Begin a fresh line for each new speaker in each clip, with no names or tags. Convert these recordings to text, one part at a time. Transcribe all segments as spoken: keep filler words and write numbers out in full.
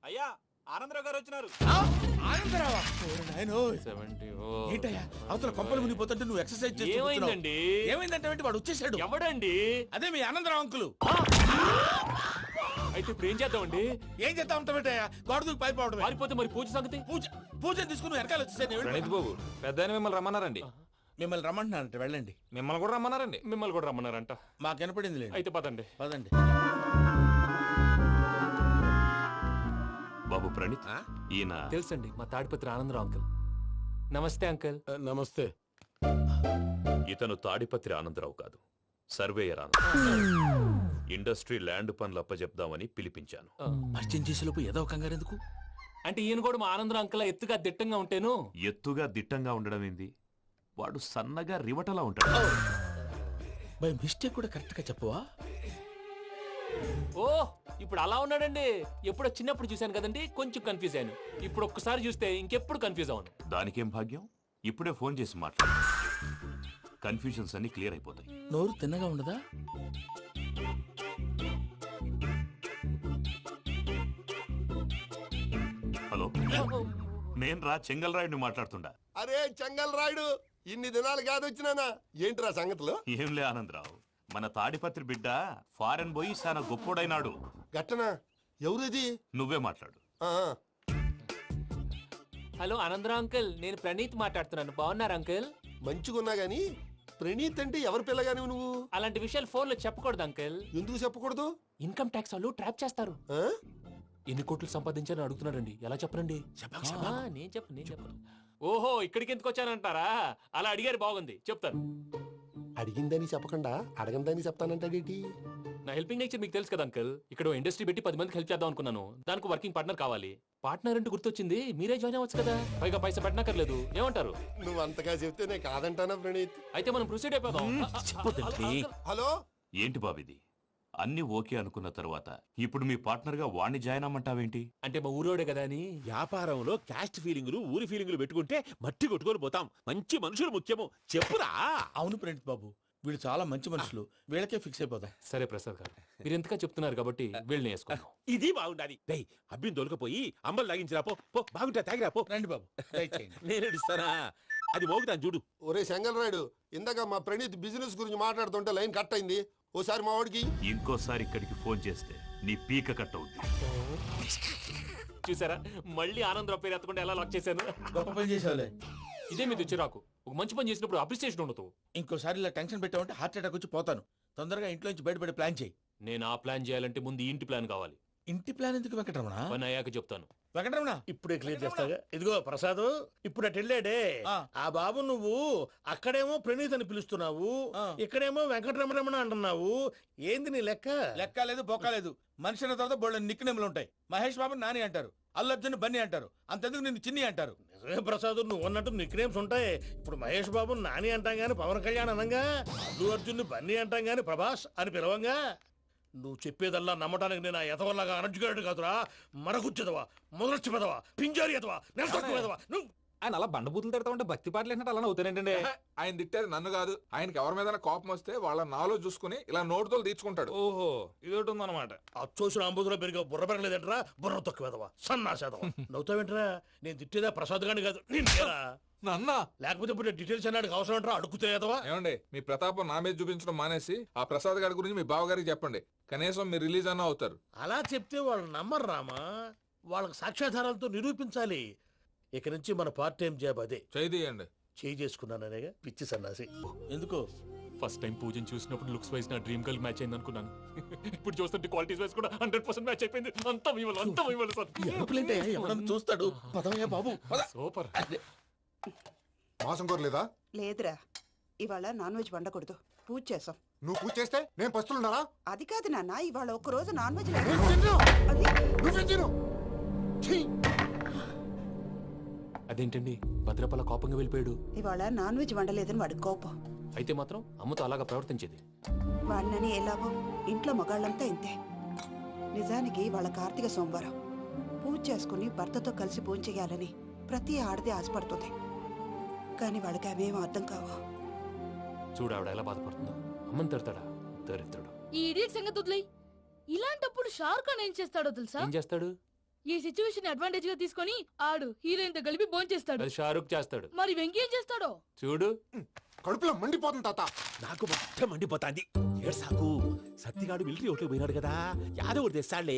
అయ్యా ఆనందరావు గారు వచ్చినారు.
ఆనందరావా? ఏంటయ్యా అవతల కొంపలు మునిగిపోతుంటే నువ్వు ఎక్సర్సైజ్ చేస్తూ
ఏమైందండి?
ఏమైందంటే వాడు వచ్చేసాడు.
ఎవడండి?
అదే మీ ఆనందరావు అంకులు.
అయితే ఇప్పుడు ఏం చేద్దామండి?
ఏం చేస్తా ఉంటావేటయ్యా? గోడ దూకి పైపోవడం.
పారిపోతే మరి పూజ సంగతి?
పూజ పూజ తీసుకుని వెనకాల వచ్చేసాను.
ప్రణీత్ బాబు పెద్ద మిమ్మల్ని రమ్మన్నారండి.
మిమ్మల్ని రమ్మంటున్నారంట, వెళ్ళండి.
మిమ్మల్ని కూడా రమ్మన్నారండి.
మిమ్మల్ని కూడా రమ్మన్నారంట.
మాకు వినపడింది లేదు.
అయితే పదండి.
పదండి.
బాబు ప్రణీత్, ఈయన
తెలుసండి మా తాడిపత్రి ఆనందరావు అంకుల్. నమస్తే అంకుల్.
నమస్తే.
ఇతను తాడిపత్రి ఆనందరావు కాదు, సర్వేయర్ ఆనందరావు. ఇండస్ట్రీ ల్యాండ్ పనులు అప్పజెప్దామని పిలిపించాను.
పరిచయం చేసేలోపు ఏదో కంగారు ఎందుకు?
అంటే ఈయన కూడా మా ఆనందరావు అంకుల్ ఎత్తుగా దిట్టంగా ఉంటేను.
ఎత్తుగా దిట్టంగా ఉండడం ఏంది? వాడు సన్నగా రివటలా ఉంటాడు.
బై మిస్టేక్ కూడా కరెక్ట్ గా చెప్పవా?
ఓ ఇప్పుడు అలా ఉన్నాడండి. ఎప్పుడో చిన్నప్పుడు చూశాను కదండి, కొంచెం కన్ఫ్యూజ్ అయ్యాను. ఇప్పుడు ఒక్కసారి చూస్తే ఇంకెప్పుడు కన్ఫ్యూజ్ అవ్వను.
దానికేం భాగ్యం, ఇప్పుడే ఫోన్ చేసి మాట్లాడు. కన్ఫ్యూజన్స్ అన్ని క్లియర్ అయిపోతాయి.
నోరు తిన్నగా ఉండదా?
హలో, నేను రా చెంగల్ రాయుడిని మాట్లాడుతుండా.
అరే చెంగల్ రాయుడు, ఇన్ని దినాలు కాదు వచ్చినానా? ఏంట్రా సంగతులు?
ఏంలే ఆనందరావు, మన తాడిపత్రి బిడ్డ ఫారెన్ పోయి చాలా గొప్పోడైనాడు.
గట్టనా? ఎవరిది?
నువ్వే మాట్లాడు.
హలో ఆనందరావు అంకుల్, నేను ప్రణీత్ మాట్లాడుతున్నాను. బాగున్నారు అంకుల్?
మంచిగున్నా గాని ప్రణీత్ అంటే ఎవరి పిల్లగాని నువ్వు?
అలాంటి విషయాలు ఫోన్ లో చెప్పకూడదు అంకుల్.
ఎందుకు చెప్పకూడదు?
ఇన్కమ్ ట్యాక్స్ వాళ్ళు ట్రాప్ చేస్తారు.
ఆ?
ఎన్ని కోట్లు సంపాదించాలని అడుగుతున్నాడండి. ఎలా చెప్పరండి? ఆ, నేను చెప్పను నేను చెప్పను. ఓహో ఇక్కడికి ఎందుకు వచ్చానంటారా? అలా అడిగారు, బాగుంది, చెప్తాను.
అడిగిందని చెప్పకుండా అడగందని చెప్తానంటాడేటి?
నా హెల్పింగ్ నేచర్ మీకు తెలుసు కదా అంకుల్. ఇక్కడ ఇండస్ట్రీ పెట్టి పది మందికి హెల్ప్ చేద్దాం అనుకున్నాను. దానికి వర్కింగ్ పార్ట్నర్ కావాలి. పార్ట్నర్ అంటే గుర్తొచ్చింది, మీరే జాయిన్ అవ్వచ్చు కదా. పైగా పైసా పెట్టనక్కర్లేదు. ఏమంటారు?
నువ్వు అంతగా చెప్తే నేను కాదంటానా ప్రణీత్?
అయితే మనం ప్రొసీడ్ అయిపోదాం.
హలో,
ఏంటి బాబిది? అన్ని ఓకే అనుకున్న తర్వాత ఇప్పుడు మీ పార్ట్నర్ గా వాణ్ణి జాయిన్ అమ్మంటావేంటి?
అంటే మా ఊరోడే కదా అని.
వ్యాపారంలో క్యాస్ట్ ఫీలింగులు ఊరి ఫీలింగులు పెట్టుకుంటే మట్టి కొట్టుకొని పోతాం. మంచి మనుషులు ముఖ్యము. చెప్పురా.
అవును ప్రణీత్ బాబు, వీళ్ళు చాలా మంచి మనుషులు. వీళ్ళకే ఫిక్స్ అయిపోదాం.
సరే ప్రసాద్ గారు, మీరు ఎంతగా చెప్తున్నారు కాబట్టి వీళ్ళని వేసుకుందాం.
ఇది బాగుండాలి. డై అబ్బిని దొలకపోయి అమ్మలు తాగించిరా పో. పో బాగుంటా తాగిరా పో.
రండి బాబు, దయచేయండి.
నేను ఇస్తానా? అది మోగుతాను చూడు.
ఒరే చెంగల్ రాయుడు, ఇందాక మా ప్రణీత్ బిజినెస్ గురించి మాట్లాడుతుంటే లైన్ కట్ అయింది. ఓసారి మా వాడికి
ఇంకోసారి ఇక్కడికి ఫోన్ చేస్తే నీ పీక కట్ అవుద్ది.
చూసారా, మళ్ళీ ఆనందరావు పేరు ఎత్తకుండా ఎలా లాక్ చేశాను.
గొప్ప పని చేసేవాళ్ళే.
ఇదే మీ చిరాకు. ఒక మంచి పని చేసినప్పుడు అప్రిసియేషన్ ఉండదు.
ఇంకోసారి ఇలా టెన్షన్ పెట్టామంటే హార్ట్ అటాక్ వచ్చి పోతాను. తొందరగా ఇంట్లో నుంచి బయటపడే ప్లాన్ చేయి.
నేను ఆ ప్లాన్ చేయాలంటే ముందు ఇంటి ప్లాన్ కావాలి.
ఇంటి ప్లాన్ ఎందుకు వెంకటరమణ?
పని అయ్యాక చెప్తాను.
వెంకటరమణ
ఇప్పుడే క్లియర్ చేస్తాగా. ఇదిగో ప్రసాద్, ఇప్పుడు అటు వెళ్ళాడే
ఆ.
ఆ బాబు, నువ్వు అక్కడేమో ప్రణీత్ అని పిలుస్తున్నావు,
ఆ.
ఇక్కడేమో వెంకటరమణ అంటున్నావు. ఏంది నీ లెక్క?
లెక్క లేదు, బొక్క లేదు. మనిషి అన్న తర్వాత బోళ్ళ నిక్నెములు ఉంటాయి. మహేష్ బాబు నాని అంటారు, అల్లు అర్జున్ బన్నీ అంటారు, అంతెందుకు నిన్ను చిన్ని అంటారు.
నిజమే ప్రసాద్, నువ్వు అన్నట్టు నిక్ నేమ్స్ ఉంటాయి. ఇప్పుడు మహేష్ బాబు నాని అంటాం గాని పవన్ కళ్యాణ్ అనంగా, అల్లు అర్జున్ బన్నీ అంటాం గాని ప్రభాస్ అని పిలవంగా. నువ్వు చెప్పేదల్లా నమ్మటానికి నేను ఎతవల్లాగా అనర్జుకేటెడ్ కాదురా. మరగుచ్చదవా, మొదలచ్చి పెదవా, పింజారి ఎదవా, నెలసొక్కు పెదవా. నువ్వు
ఆయన అలా బండబూతులు తిడతా ఉంటే భక్తి పాటలు ఏంటంటే అలా అవుతానంటే.
ఆయన తిట్టేది నన్ను కాదు, ఆయనకి ఎవరి మీద కోపం వస్తే వాళ్ళ నాలో చూసుకుని ఇలా నోటుతో తీర్చుకుంటాడు.
ఓహో ఇదొకటి ఉందన్నమాట.
అచ్చోసిన అంబుధులో పెరిగే బుర్ర పెరగలేదంటరా. బుర్ర తొక్కు వెదవా, సన్నాసేదవా. నవ్వుతావేంట్రా? నేను తిట్టేదా ప్రసాద్ గాని కాదు, నిన్నేరా.
నన్నా
లేకపోతే ఇప్పుడు డీటెయిల్స్ అన్నాడు అవసరం అంటారా? అడుగుతాయేదవా.
ఏమండి, మీ ప్రతాపం నా మీద చూపించడం మానేసి ఆ ప్రసాద్ గారి గురించి మీ బావగారికి చెప్పండి. కనీసం మీరు రిలీజ్ అన్న అవుతారు.
అలా చెప్తే వాళ్ళు నమ్మరు రామా. వాళ్ళకి సాక్ష్యాధారాలతో నిరూపించాలి. ఇక నుంచి మన పార్ట్ టైం జాబ్ అదే.
చేయండి.
చేయి చేసుకున్నాననేగా పిచ్చి సన్నాసి.
ఎందుకు?
ఫస్ట్ టైం పూజను చూసినప్పుడు లుక్స్ వైజ్ నా డ్రీమ్ గర్ల్ మ్యాచ్ అయింది అనుకున్నాను. ఇప్పుడు చూస్తుంటే క్వాలిటీస్ వైజ్ కూడా హండ్రెడ్ పర్సెంట్ మ్యాచ్ అయిపోయింది. అంతా మీ వల్ల, అంతా మీ వల్ల సార్.
ఎప్పుడంటే ఎవడన్నా చూస్తాడు. పదవయ్యా బాబు, పద.
సూపర్.
మాసం కోరలేదా?
లేదురా, ఇవాళ నాన్ వెజ్ వండకూడదు. పూజ చేసాం.
నువ్వు పూజ చేస్తే నేను పస్తులున్నారా?
అది కాదు నాన్న, ఇవాళ ఒక్క రోజు నాన్ వెజ్
అదేంటండి భద్రపల కోపంగా వెళ్ళిపోయాడు?
ఇవాళ నాన్ వెజ్ వండలేదని వాడి కోపం.
అయితే మాత్రం అమ్మతో అలాగా ప్రవర్తించేది.
వాడినని ఎలాగో ఇంట్లో మగాళ్ళంతా ఇంతే. నిజానికి వాళ్ళ కార్తీక సోమవారం పూజ చేసుకుని భర్తతో కలిసి పూజ చేయాలని ప్రతి ఆడది ఆశపడుతుంది. కానీ వాడికి అవేమో అర్థం కావు.
చూడు ఆవిడ ఎలా బాధపడుతుందో. అమ్మని తిడతాడా? దరిద్రుడు.
ఈ ఇడియట్ సంగతి వదిలేయ్. ఇలాంటప్పుడు షారుఖ్ ఖాన్ ఏం చేస్తాడో తెలుసా?
ఏం చేస్తాడు?
ఈ సిచ్యువేషన్ అడ్వాంటేజ్ గా తీసుకొని ఆడు హీరోయిన్ తో కలిపి భోంచేస్తాడు.
అది షారుఖ్ చేస్తాడు.
మరి వెంకీ ఏం చేస్తాడో
చూడు.
కడుపులో మండిపోతుంది తాత.
నాకు మొత్తం మండిపోతాంది. ఏడు సాకు సత్తిగాడు మిలిటరీ ఓట్లకు పోయినాడు కదా, యాదవ్ ఒకటి తెస్తాడులే.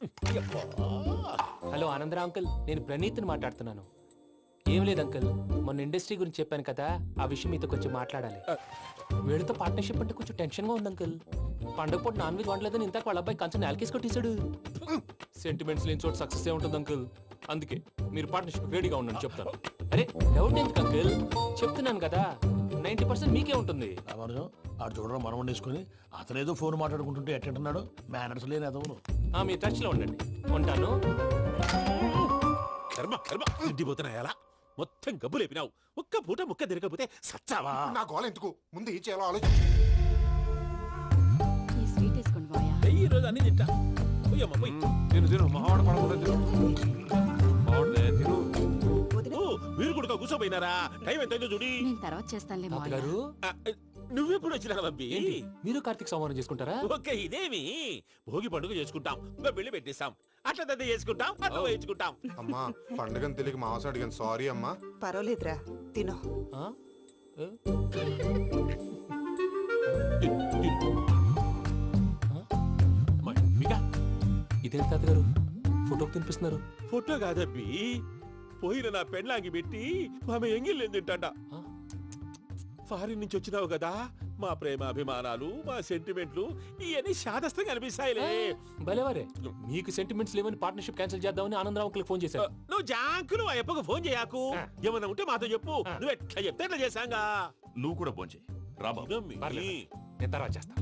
హలో ఆనందరా అంకుల్, నేను ప్రణీత్ని మాట్లాడుతున్నాను. ఏం లేదు అంకుల్, మొన్న ఇండస్ట్రీ గురించి చెప్పాను కదా, ఆ విషయం మీతో కొంచెం మాట్లాడాలి. వీళ్ళతో పార్ట్నర్షిప్ అంటే కొంచెం టెన్షన్ గా ఉంది అంకుల్. పండగ పూట నాన్ వెజ్ వండలేదని ఇంతకు వాళ్ళ అబ్బాయి కంచెం నేలకేసి కొట్టేశాడు. సెంటిమెంట్స్ లేని చోట సక్సెస్ ఏ ఉంటుంది అంకుల్. అందుకే మీరు పార్ట్నర్షిప్ రెడీగా ఉండండి చెప్తాను. అరే డౌట్ ఎందుకు అంకుల్, చెప్తున్నాను కదా, నైన్టీ పర్సెంట్ మీకే ఉంటుంది.
రామానుజం ఆడు చూడడం మనం వండేసుకుని అతనేదో ఫోన్ మాట్లాడుకుంటుంటే ఎట్టంటున్నాడు. మేనర్స్ లేని అదవును.
మీ టచ్ లో ఉండండి. ఉంటాను.
కర్మ కర్మ తిండిపోతున్నాయలా మొత్తం గబ్బు లేపినావు. ఒక్క పూట ముక్క తిరగకపోతే సచ్చావా?
నా గోల ఎందుకు, ముందు ఏం చేయాలో ఆలోచించు.
ఈ స్వీట్ వేసుకోండి బాయా.
ఈ రోజు అన్ని తింటా. పోయమ్మ పోయి.
తిను తిను మావాడ పడకుండా తిను. మావాడదే తిను.
వదిన
ఓ, మీరు కూడా కూర్చోపోయినారా? టైం ఎంతైందో చూడి.
నేను తర్వాత చేస్తానులే మావయ్య.
తాతగారు
ఆ, నువ్వెప్పుడు వచ్చినా బంబి?
ఏంటి మీరు కార్తీక్ సంహారం చేసుకుంటారా?
ఓకే, ఇదేమి భోగి పండుగ చేసుకుంటాం, ఇంకా పెళ్లి పెట్టేస్తాం, అట్లా దద్ద చేసుకుంటాం, అట్లా వేయించుకుంటాం.
అమ్మా పండుగని తెలియక మాంసం అడిగాను, సారీ అమ్మా.
పర్వాలేదురా, తినో.
ఆ? ఏ?
మమ్మిగా,
ఇదేంటి తాతగారు ఫోటోకి తినిపిస్తున్నారు?
ఫోటో కాదబ్బి, పోయిన నా పెళ్ళాంగి పెట్టి ఆమె ఎంగిల్లేం తింటాడ.
ఆ?
ఫారిన్ నుంచి వచ్చినావు కదా, మా ప్రేమ అభిమానాలు, మా సెంటిమెంట్లు ఇవన్నీ శాదస్తంగా అనిపిస్తాయిలే.
భలేవారే, మీకు సెంటిమెంట్స్ లేవని పార్ట్నర్షిప్ క్యాన్సిల్ చేద్దామని ఆనందరావు అంకుల్ ఫోన్ చేశారు.
నువ్వు జాంకులు ఆ అప్పకు ఫోన్ చేయకు. ఏమన్నా ఉంటే మాతో చెప్పు. నువ్వు ఎట్లా చెప్తే ఎట్లా చేశాంగా.
నువ్వు కూడా భోంచేయి రా బాబు.
పర్లేదు, నేను తర్వాత చేస్తా.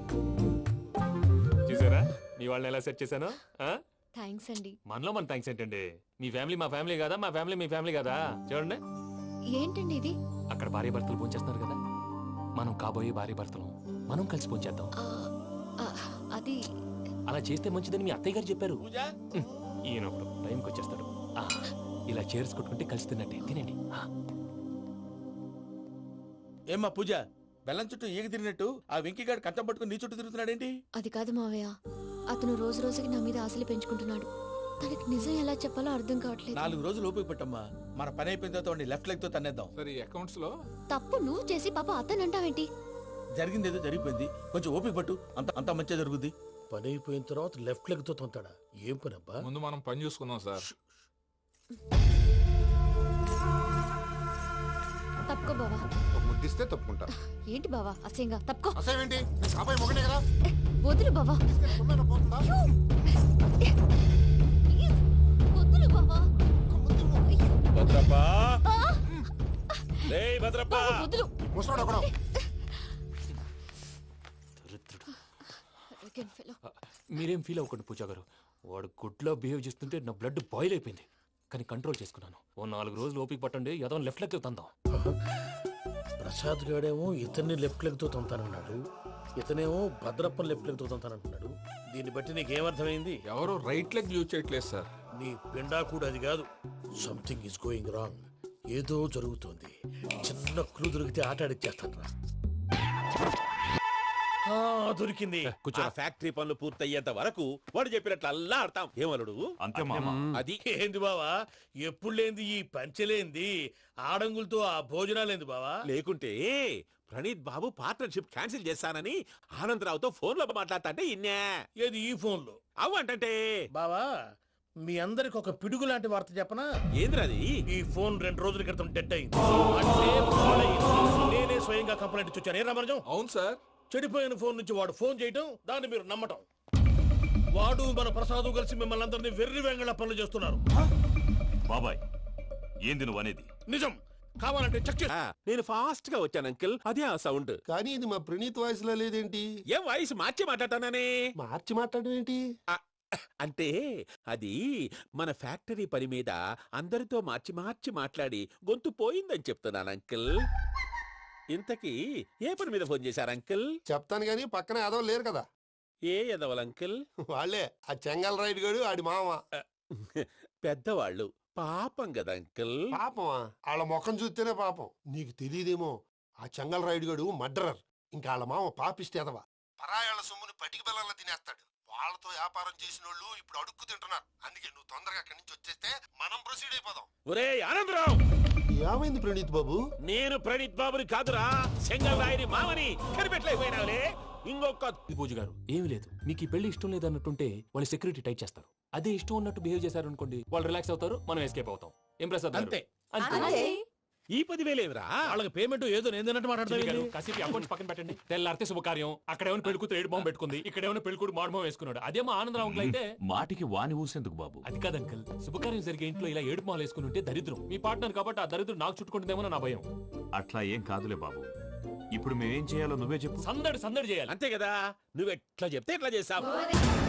చూసారా మీ వాళ్ళని ఎలా సెట్ చేశాను?
థ్యాంక్స్ అండి.
మనలో మన థ్యాంక్స్ ఏంటండి, మీ ఫ్యామిలీ మా ఫ్యామిలీ కదా, మా ఫ్యామిలీ మీ ఫ్యామిలీ కదా. చూడండి,
ఏంటండి ఇది?
అక్కడ భార్య భర్తలు భోంచేస్తున్నారు కదా, మనం కాబోయే భార్య భర్తలు మనం కలిసి భోంచేద్దాం.
ఆ, అది
అలా చేస్తే మంచిదని మీ అత్తయ్య గారు చెప్పారు.
పూజ
హ్మ్, ఈయన ఒకడు టైంకి వచ్చేస్తాడు. ఆ, ఇలా చేర్స్ కొట్టుకుంటే కలిసి తిన్నట్టే. తినండి. ఆ.
ఏమ్మా పూజ, బెల్లం చుట్టూ ఈగ తిరిగినట్టు ఆ వెంకీగాడు కంచం పట్టుకుని నీ చుట్టూ తిరుగుతున్నాడేంటి?
అది కాదు మావయ్య, అతను రోజు రోజుకి నా మీద ఆశలు పెంచుకుంటున్నాడు. తనకి నిజం ఎలా చెప్పాలో అర్థం కావట్లేదు.
నాలుగు రోజులు ఓపిక పట్టమ్మా, మన పని అయిపోయిన తర్వాత వాడిని లెఫ్ట్ లెగ్ తో తన్నేద్దాం.
సరే అకౌంట్స్ లో
తప్పు నువ్వు చేసి పాప అతను అంటావేంటి?
జరిగింది ఏదో జరిగిపోయింది, కొంచెం ఓపిక పట్టు, అంత అంతా మంచిగా జరుగుద్ది.
పని అయిపోయిన తర్వాత లెఫ్ట్ లెగ్ తో తొంతాడా? ఏం పని అబ్బా?
ముందు మనం పని చూసుకుందాం సార్.
తప్పుకో బావా.
ఒక ముద్దిస్తే తప్పుకుంటా.
ఏంటి బావా అసహ్యంగా? తప్పుకో.
అసేమేంటి, కాబోయే మొగనే కదా.
వదులు బావా.
ఇస్తే సొమ్మేనా పోతుందా?
ప్లీజ్, వదులు బావా.
భద్రప్ప, రేయ్ భద్రప్ప,
బావా, వదులు.
ముసలోడు ఒకడు.
దరిద్రుడు.
Arrogant fellow.
ఆ, మీరేం ఫీల్ అవ్వకండి పూజా గారు, వాడు గుడ్లో బిహేవ్ చేస్తుంటే నా బ్లడ్ బాయిల్ అయిపోయింది. కానీ కంట్రోల్ చేసుకున్నాను. ఓ నాలుగు రోజులు ఓపిక పట్టండి, ఏదో లెఫ్ట్ లెగ్ తందాం.
ప్రసాద్ గాడేమో ఇతన్ని లెఫ్ట్ లెగ్ తో తొంతానన్నాడు, ఇతనేమో భద్రప్ప లెఫ్ట్ లెగ్ తో తొంతానంటున్నాడు. దీన్ని బట్టి నీకేమర్థమైంది?
ఎవరు రైట్ లెగ్ యూజ్ చేయట్లేదు సార్.
నీ పిండా కూడా అది కాదు. Something is going wrong. ఏదో జరుగుతోంది. చిన్న క్లూ దొరికితే ఆట ఆడిచ్చేస్తాను రా. దొరికింది.
ఆ ఫ్యాక్టరీ పనులు పూర్తయ్యేంత వరకు వాడు చెప్పినట్లు అల్లా ఆడతాం. ఏమలుడు
అంతే మామ.
అది
ఏంది బావా, ఎప్పుడు లేంది ఈ పంచలేంది, ఆడంగులతో ఆ భోజనాలేంది బావా?
లేకుంటే ప్రణీత్ బాబు పార్ట్నర్షిప్ క్యాన్సిల్ చేస్తానని ఆనందరావుతో ఫోన్ లో మాట్లాడతా అంటే ఇన్నే.
ఏది ఈ ఫోన్ లో?
అవ్వంటే
బావా, మీ అందరికి ఒక పిడుగు లాంటి వార్త చెప్పనా?
ఏంద్రది?
ఈ ఫోన్ రెండు రోజుల క్రితం డెడ్ అయింది. అంటే పాడైంది. నేనే స్వయంగా కంప్లైంట్ ఇచ్చి వచ్చాను. ఏ రామరాజం?
అవును సార్.
చెడిపోయిన ఫోన్ నుంచి వాడు ఫోన్ చేయటం, దాన్ని మీరు నమ్మటం. వాడు మన ప్రసాదు కలిసి మిమ్మల్ని అందరినీ వెర్రి వెంగళ పనులు చేస్తున్నారు.
బాబాయ్ ఏంది నువ్వు అనేది?
నిజం. కావాలంటే చెక్ చేసి.
ఆ, నేను ఫాస్ట్ గా వచ్చాను అంకిల్, అదే ఆ సౌండ్.
కానీ ఇది మా ప్రణీత్ వాయిస్ లో లేదేంటి?
ఏం వాయిస్ మార్చి మాట్లాడతాననే?
మార్చి మాట్లాడడం ఏంటి?
అంటే అది మన ఫ్యాక్టరీ పని మీద అందరితో మార్చి మార్చి మాట్లాడి గొంతు పోయిందని చెప్తున్నాను అంకిల్. ఇంతకీ ఏ పని మీద ఫోన్ చేశారు అంకిల్?
చెప్తాను గానీ పక్కన ఏదో లేరు కదా.
ఏ ఎదవలు అంకిల్?
వాళ్ళే ఆ చెంగల్ రైడ్ గడు ఆడి మామ.
పెద్దవాళ్ళు పాపం కదా అంకిల్.
పాపమా? వాళ్ళ ముఖం చూస్తేనే పాపం. నీకు తెలియదేమో, ఆ చెంగల్ రైడ్ గడు మర్డరర్. ఇంకా వాళ్ళ మామ పాపిస్తేదవా, పరాయాళ్ళ సొమ్ముని పటికి బెల్లంలో తినేస్తాడు. వాళ్ళతో వ్యాపారం చేసిన వాళ్ళు ఇప్పుడు అడుక్కు తింటున్నారు. అందుకే నువ్వు తొందరగా అక్కడి నుంచి వచ్చేస్తే మనం ప్రొసీడ్ అయిపోదాం.
ఒరే ఆనందరావు,
ఏమైంది ప్రణీత్ బాబు?
నేను ప్రణీత్ బాబుని కాదురా, సెంగల్ రాయని మామని కనిపెట్టలేకపోయినావులే. ఇంకొక
పూజ గారు ఏమీ లేదు, మీకు ఈ పెళ్లి ఇష్టం లేదు అన్నట్టుంటే వాళ్ళు సెక్యూరిటీ టైట్ చేస్తారు. అదే ఇష్టం ఉన్నట్టు బిహేవ్ చేశారు అనుకోండి, వాళ్ళు రిలాక్స్ అవుతారు, మనం ఎస్కేప్ అవుతాం. ఏం ప్రసాద్ గారు?
అంతే.
అంతే.
ఈ పదివేలేమిరా?
వాళ్ళకి పేమెంట్ ఏదో నేందన్నట్టు
చిన్ని గారు,
మాట్లాడతాను.
కాసేపు అకౌంట్స్ పక్కన పెట్టండి. తెల్లారితే శుభకార్యం, అక్కడ ఏమైనా పెళ్లి కూతురు ఏడు బాంబు పెట్టుకుంది, ఇక్కడ ఏమైనా పెళ్లి కూతురు మాడు బాంబు వేసుకున్నాడు. అదేమో ఆనందరావు అంకుల్ అయితే
మాటికి వాని ఊసేందుకు బాబు?
అది కాదు అంకుల్, శుభకార్యం జరిగే ఇంట్లో ఇలా ఏడు మాలు వేసుకుని ఉంటే దరిద్రం. మీ పార్ట్నర్ కాబట్టి ఆ దరిద్రం నాకు చుట్టుకుంటుందేమో నా భయం.
అట్లా ఏం కాదులే బాబు. ఇప్పుడు మేమేం చేయాలో నువ్వే చెప్పు.
సందడి సందడి చేయాలి.
అంతే కదా, నువ్వెట్లా చెప్తే ఎట్లా చేసావు.